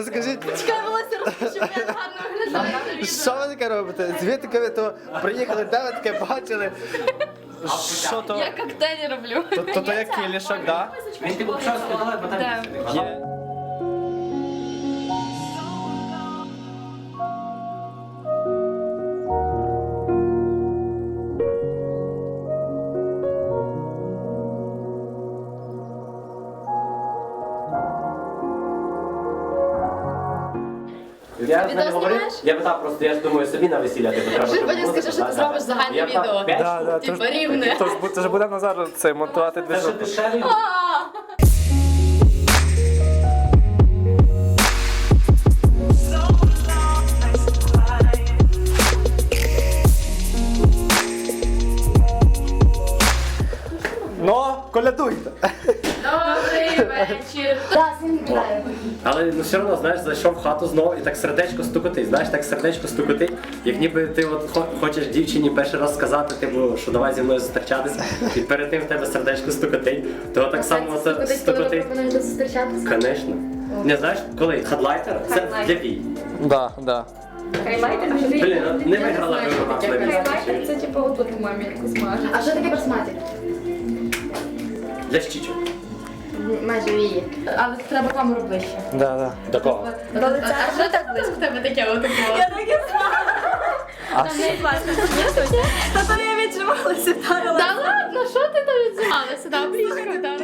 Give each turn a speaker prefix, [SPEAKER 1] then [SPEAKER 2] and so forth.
[SPEAKER 1] скажіть,
[SPEAKER 2] Чекай, волосся розпущу, я гарно виглядаю на відео.
[SPEAKER 1] що ви таке робите? Звідки ви то приїхали, де ви таке бачили? Що то?
[SPEAKER 2] Я коктейлі роблю.
[SPEAKER 1] То як кілішок, да?
[SPEAKER 3] Він типу почав сказати, бо там
[SPEAKER 1] Є.
[SPEAKER 3] Я
[SPEAKER 2] Відео
[SPEAKER 3] не говорив,
[SPEAKER 2] знімаєш?
[SPEAKER 3] я питав просто, я ж думаю, собі на весілля типу треба.
[SPEAKER 2] Вже
[SPEAKER 3] щоб
[SPEAKER 2] потім
[SPEAKER 3] музика,
[SPEAKER 2] скажи, що ти
[SPEAKER 3] да,
[SPEAKER 2] зробиш
[SPEAKER 3] да.
[SPEAKER 2] загальне
[SPEAKER 3] Я
[SPEAKER 2] відео.
[SPEAKER 3] п'ять
[SPEAKER 1] Да, да,
[SPEAKER 2] Типа рівне.
[SPEAKER 1] Тож буде Назар це монтувати
[SPEAKER 3] Це ще дешевий.
[SPEAKER 1] Ну, колядуйте.
[SPEAKER 2] Добрий вечір. Так, всім вітаю.
[SPEAKER 3] Але ну все одно, знаєш, зайшов в хату знову і так сердечко стукотить. Знаєш, так сердечко стукотить, як ніби ти от хочеш дівчині перший раз сказати, типу, що давай зі мною зустрічатися, і перед тим в тебе сердечко стукотить, то так само це стукотить.
[SPEAKER 2] пропонуєш зустрічатися?
[SPEAKER 3] Звісно. Не знаєш, коли? Хадлайтер? Це для бій.
[SPEAKER 1] Да, да.
[SPEAKER 4] Хайлайтер?
[SPEAKER 3] Блін, ну, не виграла виграла.
[SPEAKER 4] Хайлайтер це типу отут мамі яку смажу.
[SPEAKER 2] А що таке басматі?
[SPEAKER 3] Для щічок.
[SPEAKER 2] Майже вії. Але треба камеру ближче.
[SPEAKER 1] Да, да.
[SPEAKER 3] До кого?
[SPEAKER 2] А що так близько в тебе таке отаке?
[SPEAKER 4] Я так і знала.
[SPEAKER 1] А
[SPEAKER 4] Там не плачу. Та то я віджималася, та
[SPEAKER 2] Та ладно, що ти там відзивалася? Да, близько, так.